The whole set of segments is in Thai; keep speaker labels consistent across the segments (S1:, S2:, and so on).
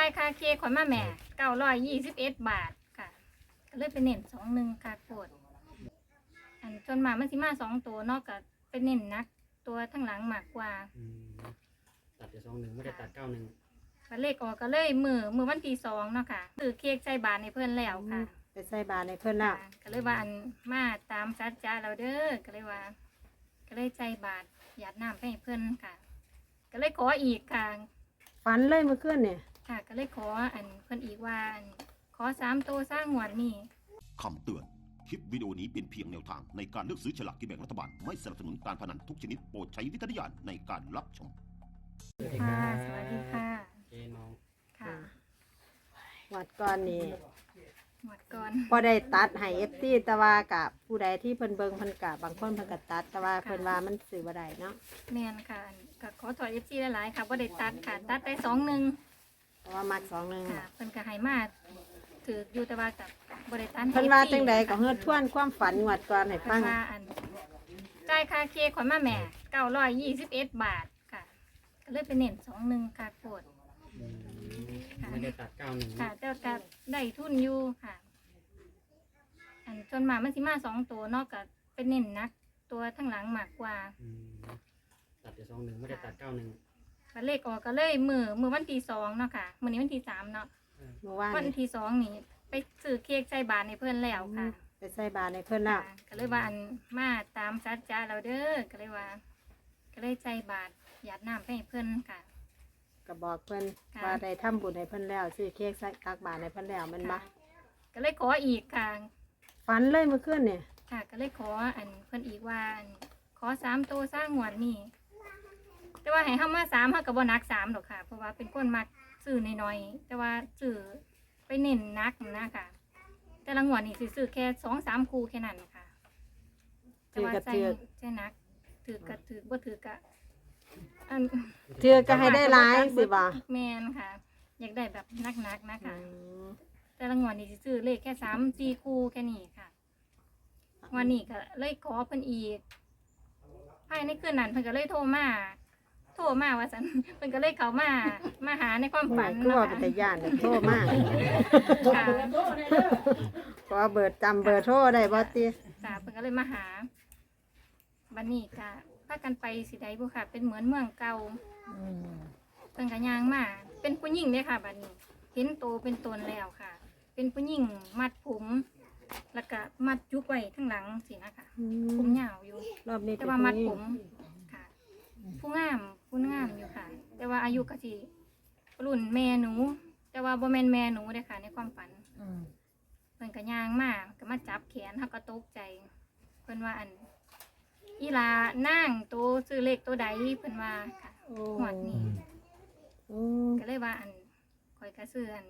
S1: ายค่าเค้กข่อยมาแม่921 บาทค่ะก็เลยไปเน้น21ค่ะโคตรอันจนมามันสิมา2ตัวเนาะก็ไปเน้นนักตัวทั้งหลังมากกว่า
S2: ตัดแต่21ไม่ได้ตัด91
S1: บัดเลขออกก็เลยมือวันที่2เนาะค่ะซื้อเค้กใส่บาทให้เพิ่นแล้วค่ะ
S3: ไปใส่บาตรในเพิ่นแล้ว
S1: ก็เลยว่าอันมาตามสัจจะเราเด้อก็เลยว่า ก็เลยใจบาทหยาดน้ำไปให้เพิ่นค่ะ ก็เลยขออีกค่ะ
S3: ฝันเลยเมื่อคืนเนี่ย
S1: ค่ะ ก็เลยขออันเพิ่นอีกว่าอันขอ3 ตัวสร้างหวดนี่
S4: คำเตือน คลิปวิดีโอนี้เป็นเพียงแนวทางในการเลือกซื้อฉลากกินแบ่งรัฐบาล ไม่สนับสนุนการพนันทุกชนิดโปรดใช้วิจารณญาณในการรับชม
S1: ค่ะ สวัสดีค่ะ
S2: เจน้อง
S1: ค่ะ
S3: วัดก่อนนี่
S1: หวดก่อน
S3: พอได้ตัดให้FTแต่ว่ากับผู้ใดที่เพิ่นเบิ่งเพิ่นกะบางคนเพิ่นก็ตัด แต่ว่าเพิ่นว่ามันซื้อบ่ได้เนาะ
S1: แม่นค่ะอันก็ขอถอย FC หลายๆค่ะบ่ได้ตัดค่ะ ตัดได้21
S3: เพราะว่ามัก2-1
S1: ค่ะ เพิ่นก็ให้มาถืออยู่แต่ว่ากับบ่ได้ตัดให้
S3: เพิ่นว่า
S1: FC
S3: จังใดก็เฮ็ดทวนความฝันงวดก่อนให้ฟัง
S1: ว่าอันจ่ายค่าเค้กข่อยมาแม่921 บาทค่ะ ก็เลยไปเน้น21ค่ะโคตร
S2: ไม่ได้ตัด91
S1: ค่ะแต่ก็ได้ทุนอยู่ค่ะ อันจนมามันสิมา2 ตัวเนาะก็เป็นเน้นนักตัวทั้งหลังมากกว่า
S2: ตัดแต่21ไม่ได้ตัด91
S1: บัดเลขออกก็เลยมือวันที่2เนาะค่ะมื้อนี้วันที่3เนาะ
S3: เมื่อวาน
S1: วัน
S3: นี่
S1: ที่2นี่ไปซื้อเค้กใส่บาทให้เพิ่นแล้วค่ะ
S3: ไปใส่บาตรในเพิ่นแล้ว
S1: ค่ะก็เลยว่าอันมาตามสัจจะเราเด้อก็เลยว่า ก็เลยใจบาทหยาดน้ำไปให้เพิ่นค่ะ
S3: ก็บอกเพิ่น
S1: ค่ะ
S3: ว่าได้ทำบุญให้เพิ่นแล้วซื้อเค้กใส่ตักบาตรให้เพิ่นแล้วแมันบ่
S1: ค่ะก็เลยขออีกค่ะ
S3: ฝันเลยเมื่อคืนเนี่ย
S1: ค่ะ ก็เลยขออันเพิ่นอีกว่าอันขอ3 ตัวสร้างหวดนี่แต่ว่าให้เฮามา3เฮาก็บ่นัก3ดอกค่ะ เพราะว่าเป็นคนมักซื้อน้อยๆแต่ว่าซื้อไปเน้นนักนะค่ะ แต่ละงวดนี่สิซื้อแค่2-3 คู่แค่นั้นค่ะแต่ว่าใช่นักถือก็ถือบ่ถือก็อัน
S3: เทื่อก็ให้ได้หลายสิบ่
S1: แม่นค่ะ อยากได้แบบนักๆนะคะ
S3: อืม
S1: แต่ละงวดนี่สิซื้อเลขแค่3-4 คู่แค่นี้ค่ะวันนี้ก็เลยขอเพิ่นอีกภายในคืนนั้นเพิ่นก็เลยโทรมาว่าซั่น เพิ่นก็เลยเข้ามาหาในความฝัน
S3: คือ
S1: นะ
S3: ว่า
S1: คะ
S3: เป็นตาย่านเดี๋ยวโทรมา
S1: ค่ะ
S3: ขอเบอร์จำเบอร์โทรได้บ่ติ
S1: จ้าเพิ่นก็เลยมาหาบัดนี้ก็พากันไปสิใดบ่ค่ะ เป็นเหมือนเมืองเก่าเพิ่นก็ย่างมาเป็นผู้หญิงเด้ค่ะบัดนี้ เห็นโตเป็นตนแล้วค่ะ เป็นผู้หญิงมัดผม แล้วก็มัดจุกไว้ข้างหลังสินะคะ ผมยาวอยู่
S3: รอบนี้
S1: แต่ว่ามัดผมค่ะ ผู้งามอยู่ค่ะ แต่ว่าอายุก็สิรุ่นแม่หนู แต่ว่าบ่แม่นแม่หนูเด้อค่ะ ในความฝันเพิ่นก็ย่างมาก็มาจับแขนเฮาก็ตกใจ เพิ่นว่าอันอีหลานางโตซื้อเลขตัวใดเพิ่นว่าค่ะหวดนี้ ก็เลยว่าอันข่อยก็ซื้ออัน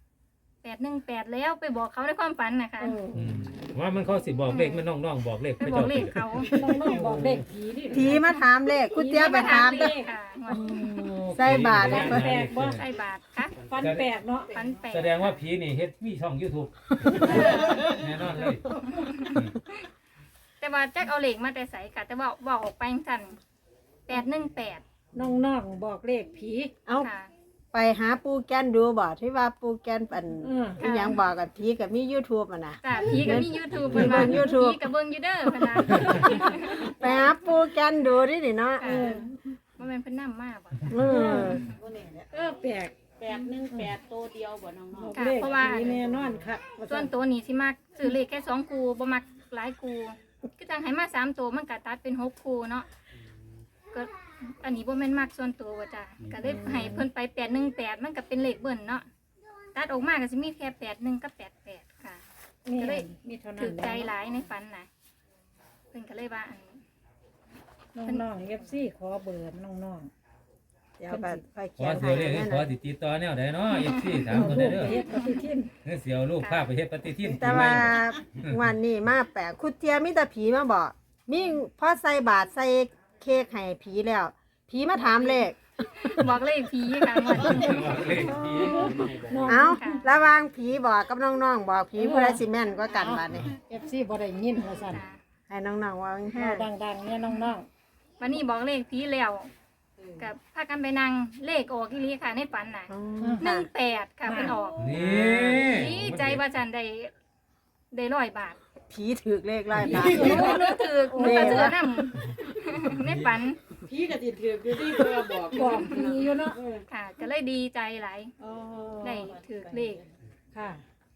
S1: 818แล้วไปบอกเขาในความฝันนะคะ
S5: ว่ามันเขาสิบอกเลขมันน้องๆบอกเลข
S1: ไปบอกเลขเขา
S6: น้องๆบอกเด็กผีดิ
S3: ผีมาถามเลขคุณเตี้ยไปถามเด้อ
S1: ค่ะหวดนี้
S3: ใส่บาตร
S6: ฟันแปลกบ่
S1: ใส่บาทค่ะ
S6: ฟันแปลกเนาะ
S1: ฝันแปลก
S5: แสดงว่าผีนี่เฮ็ดมีช่อง YouTube แน่นอนเลย
S1: แต่ว่าแจ็คเอาเหล็กมาแต่ใส่ค่ะแต่ว่าบอกออกไปสั่น818
S6: น้องๆบอกเลขผี
S3: เอา
S1: ค่ะ
S3: ไปหาปูแกนดูบ่ที่ว่าปูแกนปัน
S1: ค่ะ
S3: อีหยังบอกกับผีกับมี YouTube อ่ะนะ
S1: จ้ะพี่ก็มี YouTube
S3: เบิ่ง YouTube
S1: พี่ก็เบิ่งอยู่เด้อเพิ่นน่ะ
S3: ไปหาปูแกนดูดินี่เนาะ
S1: ค่ะบ่แม่นเพิ่นนำมาบ่
S3: เออ
S6: แปลก
S7: 818ตัวเดียวบ่น้อง
S6: บอก
S1: ค่ะ
S6: เลข
S1: เพราะว่า
S6: ผีแน่นอนค่ะ
S1: ส่วนตัวนี้สิมักซื้อเลขแค่2คู่บ่มักหลายคู่คือจังให้มา3ตัวมันก็ตัดเป็น6คู่เนาะก็อันนี้บ่แม่นมักส่วนตัวว่าจ้ะก็เลยให้เพิ่นไป818มันก็เป็นเลขเบิ้นเนาะตัดออกมาก็สิมีแค่81กับ88ค่ะ
S6: นี่
S1: ก็เลย
S6: มีเท่านั้
S1: ถึ
S6: น
S1: กใจหลายในฝันน่ะเพิ่นก็เลยว่าอัน
S6: น้องๆ FC ขอเบอร์น้อง
S3: เดี๋ยวก็ไป
S5: ข
S3: เขี
S5: อย
S3: น
S5: เสี
S3: ให้
S5: ยวเลข
S3: นั่น
S5: ขอ
S3: น่ะ
S5: ติดต่อแนวใดเนาะ FC
S6: ๆ
S5: ถามคนได้เด้อ
S6: ไปเฮ็ดปฏิทิน
S5: เฮ้ยเสียวลูกพาไปเฮ็ดปฏิทิน
S3: แต่ว่าวันนี้มาแปลกคุณเตี้ยมีแต่ผีมาบอกมีพอใส่บาตรใส่เค้กให้ผีแล้ว ผีมาถามเลข
S1: บอกเลขผีค่ะงวดนี้
S5: บอกเลขผี
S3: เอาระหวางผีบอกกับน้องๆบอกผีผู้ใดสิแม่นกว่ากันบัดนี้
S6: FC บ่ได้ยินว่าซั่น
S1: จ้ะ
S3: ให้น้องๆว่า
S6: เว้าดังๆเนี่ยน้อง
S1: วันนี้บอกเลขผีแล้วกับพากันไปนั่งเลขออกอีหลีค่ะในฝันน่ะ
S3: อืมค่ะ
S1: 18ค่ะเพิ่นออก
S5: นี่
S1: ดีใจว่าจันได้100 บาท
S3: ผีถือเลขไล่บาท
S1: หนูถือหนูก็ถือนำในฝัน
S7: พี่ก็สิถืออยู่ที่เพื่อบอก
S6: บอกผีอยู่เนาะ
S1: ค่ะ ก็เลยดีใจหลาย
S7: อ๋อ
S1: ได้ถือเลข
S6: ค่ะ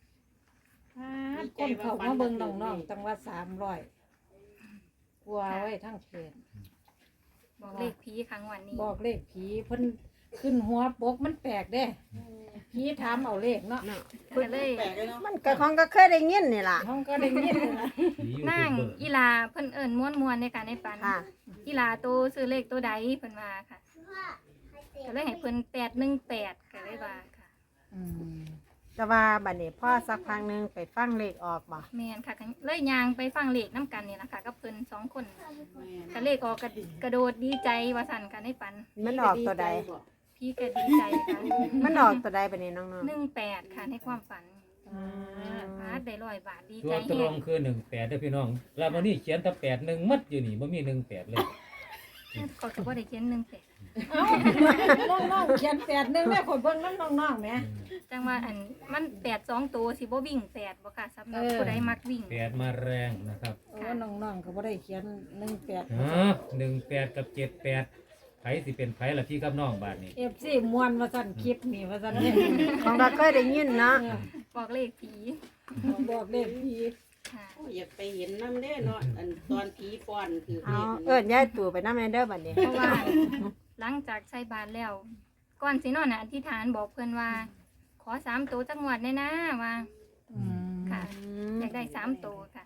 S6: คนเขามาเบิ่งน้องๆตั้งว่า300กลัวไว้ทั้งเพจ
S1: บอกเลขผีครั้งวันนี้
S6: บอกเลขผีเพิ่นขึ้นหัวปกมันแปลกเด้ผีถามเอาเลขเนาะ
S1: ก็เลย
S3: มันก็ของก็เคยได้ยินนี่ล่ะ
S6: น้องก็ได้ยินเลยนะ
S1: นั่งอีลาเพิ่นเอิ้นม้วนๆในการในฝัน
S3: ค่ะ
S1: อีลาโตซื้อเลขตัวใดเพิ่นว่าค่ะก็เลยให้เพิ่น818ก็เลยว่าค่ะ
S6: อืม
S3: แต่ว่าบัดนี้พ่อสักพักหนึงไปฟังเลขออกบ่
S1: แม่นค่ะก็เลยย่างไปฟังเลขนํกันนี่ล่ะค่ะกับเพิ่น2 คนก็เลขออกกระโดดดีใจว่าสั่นกันในฝัน
S3: มันออกตัวใด
S1: พี่ก็ดีใจค่ะ
S3: มันออกตัวใดบัดนี้น้อง
S1: 18ค่ะในความฝัน
S3: ๆ
S1: พาได้100 บาทดี
S5: ตั
S1: ใจ
S5: วตร
S1: แฮ
S5: ง
S1: ง
S5: คือ18เด้อพี่น้อง แล้ววันนี้เขียนแต่81มัดอยู่นี่บ่มี18เลย
S1: ก็จะบ่ได้เขียน18
S6: เอ้าน้องๆเขียน8นึงแม่คนเบิ่งนำน้องๆแหม
S1: จังว่าอันมัน8 2ตัวสิบ่วิ่ง8บ่ค่ะสำหรับผู้ใดมักวิ่ง
S5: 8มาแรงนะครับ
S6: โอ้น้องๆก็บ่ได้เขียน18
S5: 18กับ78ไผสิเป็นไผล่ะพี่กับน้องบาดนี้
S6: FC ม่วนว่าซั่นคลิปนี่ว่าซั่นเนี่ย
S3: ของก็เคยได้ยินเนาะ
S1: บอกเลขผี
S6: บอกเลขผี
S1: ค่ะ
S7: โอ้ยอยากไปเห็นน้ำเด้เนาะอันตอนผีฟ้อนคือ
S3: เอาเอิ้นยายตู่ไปนำแม่เด้อบัดนี้
S1: เพราะว่าหลังจากใส่บาตรแล้ว ก่อนสินอนน่ะอธิษฐานบอกเพิ่นว่า ขอ3ตัวจักงวดได้นะว่า
S6: อืม
S1: ค่ะ
S3: อืม
S1: อยากได้3ตัวค่ะ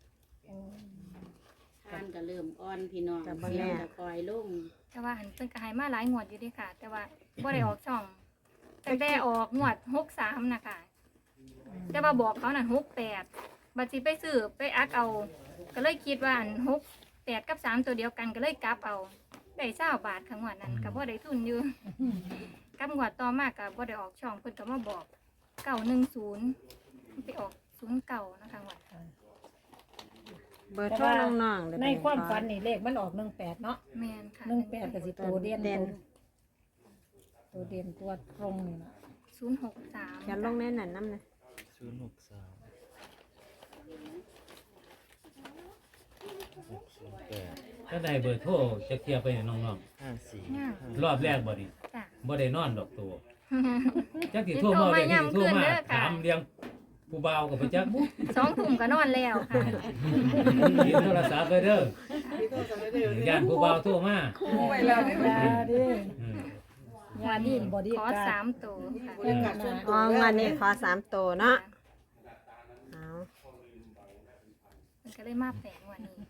S7: ทานก็เริ่มอ่อนพี่น้อง
S3: แต่บ่
S7: เสีย
S3: แน่
S7: งก็คอยลง
S1: แต่ว่าหันเพิ่นก็ให้มาหลายงวดอยู่เด้ค่ะ แต่ว่าบ่ได้ออกช่องแต่ออกงวด63น่ะค่ะ แต่ว่าบอกเขานั่น68บัดสิไปซื้อไปอักเอา ก็เลยคิดว่าอัน68กับ3ตัวเดียวกันก็เลยกลับเอาได้20 บาทค่ะงวดนั้นก็บ่ได้ทุนอยู่ กับงวดต่อมาก็บ่ได้ออกช่องเพิ่นก็มาบอก910ไปออก09นะคะงวด
S3: เบอร์โทรน้องๆเด้อ
S6: ในความฝันนี่เลขมันออก18เนาะ
S1: แม่นค่ะ
S6: 18ก็สิตัวเด่นตัวเด่นตัวตรงนี่เนาะ
S1: 063
S3: เขียนลงในนั้นนำนะ
S5: ถ้าได้เบอร์โทรจะเคลียร์ไปให้น้อง
S1: งาม
S5: ๆรอบแรกบ่นี่
S1: จ้ะ
S5: บ่ได้นอนดอกตัวจักสิโทรมาเรียกสิโทรมาถามเรียงผู้บ่าวกับบ่จักบุ
S1: 2 ทุ่มก็นอนแล้วค่ะ
S5: ยินโทรศัพท์ไปเด้อย่านผู้บ่าวโทรมา
S6: อย่าดิ
S5: อืม
S6: อย่าดิบอดี้
S1: ขอ
S6: การ์ด
S1: 3ตัวค่ะ
S3: อ๋องวันนี้ขอ3ตัวเนาะเอา
S1: มันก็เลยมาแปลกวันนี้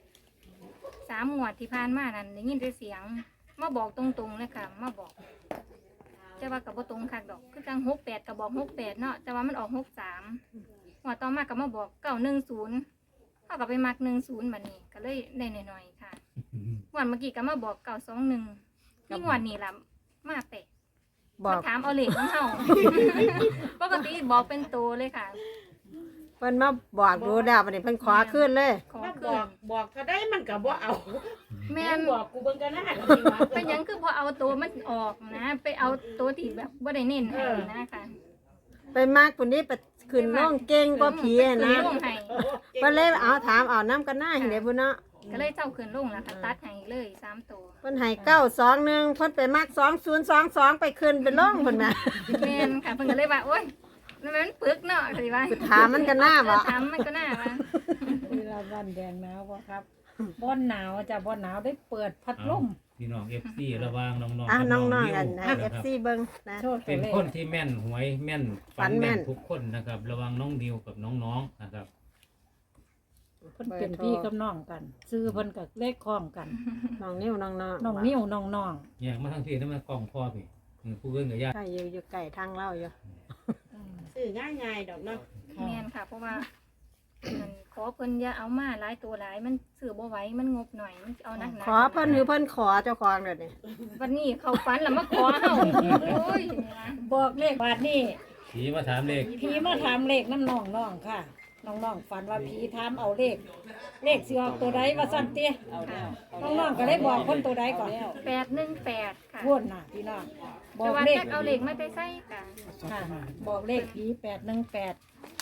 S1: 3งวดที่ผ่านมานั่นได้ยินแต่เสียงมาบอกตรงๆเลยค่ะมาบอกแต่ว่ากับบ่ตรงคักดอกคือจัง68ก็บอก68เนาะแต่ว่ามันออก63งวดต่อมาก็มาบอก910เฮาก็ไปมัก10บัดนี้ก็เลยได้หน่อยๆค่ะงวดเมื่อกี้ก็มาบอก921นี่งวดนี้ล่ะมาแปลก
S3: บอก
S1: มาถามเอาเลขของเฮา ปกติบอกเป็นตัวเลยค่ะ
S3: เพิ่นมาบอกดูแล้วบัดนี้เพิ่นขอขึ้นเลย
S1: ขอ
S7: มา
S1: คื
S7: บอก
S1: น
S7: บอกก็ได้มันก็บ่เอา
S1: แม่น
S7: บอกกูเบิ่งกันนะจริงว่า
S1: เป็นหยังคือพอเอาตัวมันออกนะ ไปเอาตัวที่แบบบ่ได้เน้นให้นะคะ
S3: ไปมากปุ่นนี้ไปขึ้นน้องเก่งกว่าผีอะนะ
S1: ขึ้ลงให้
S3: เพิ่นเลยเอาถามเอาน้ำกันหน้าให้เด้พุ่นเนาะ
S1: ก็เลยเจ้าขึ้นลงแล้วค่ะตัดให้เลย3ตัว
S3: เพิ่นให้921เพิ่นไปมัก2022ไปขึ้นไปลงเพิ่นน่ะ
S1: แม่นค่ะเพิ่นก็เลยว่าโอ๊ยมันปึกเนาะสิว่า
S3: ไปถามมันกันหน้าบ่
S1: ถามมันก็น่าว่า
S6: เวลาวันแดงหนาวบ่ครับบ่หนาวจ้ะบ่หนาวได้เปิดพัดลม
S5: พี่น้อง FC ระวังน้องๆ
S3: อ่ะ
S5: กับ
S3: น้อง
S5: วิว
S3: ๆกันให้
S5: นะครับ
S3: FC เบิ่งนะ
S6: โชว์ตั
S5: เป็
S6: วน เลข
S5: คนที่แม่นหวยแม่น
S3: ฝันแม่น
S5: ทุกคนนะครับ ระวังน้องดิวกับน้องๆนะครับ
S6: เพิ่นเป็นพี่กับน้องกันซื้อเพิ่นก็เลขคล้องกัน
S3: น้องนิ้วน้อง
S6: น้องนิ้วน้อง
S5: แยกมาทั้งที่นั่นมากล้องพ่อพี่ผู้เอื้อนกับญาติ
S3: ใกล้อยู่ใกล้ทางเล่าอยู่
S7: ซื้อง่ายๆดอกเนาะ
S1: แม่นค่ะ เพราะว่ามันขอเพิ่นอย่าเอามาหลายตัวหลายมันซื้อบ่ไหวมันงบหน่อยมันเอานัก
S3: ขอเพิ่นหรือเพิ่นขอเจ้าของเดี๋ยวนี้
S1: วันนี้เขาฝันแล้วมาขอเฮาโอ้ย
S6: บอกเลขบาทนี่
S5: ผีมาถามเลข
S6: พี่มาถามเลขน้ำน้องค่ะน้องๆฝันว่าผีถามเอาเลขสิออกตัวใดว่าซั่นติ
S7: เอาแล้วเอา
S6: น้
S7: แล้ว
S6: องๆก็ได้บอกคนตัวใดก่อน
S1: 818ค่ะ
S6: พูดน่ะพี่น้องบอ
S1: แต่
S6: ก
S1: ว่า
S6: เลข
S1: จักเอาเลขมาแต่ใส่ค่ะ
S6: ค่ะบอกเลขผี818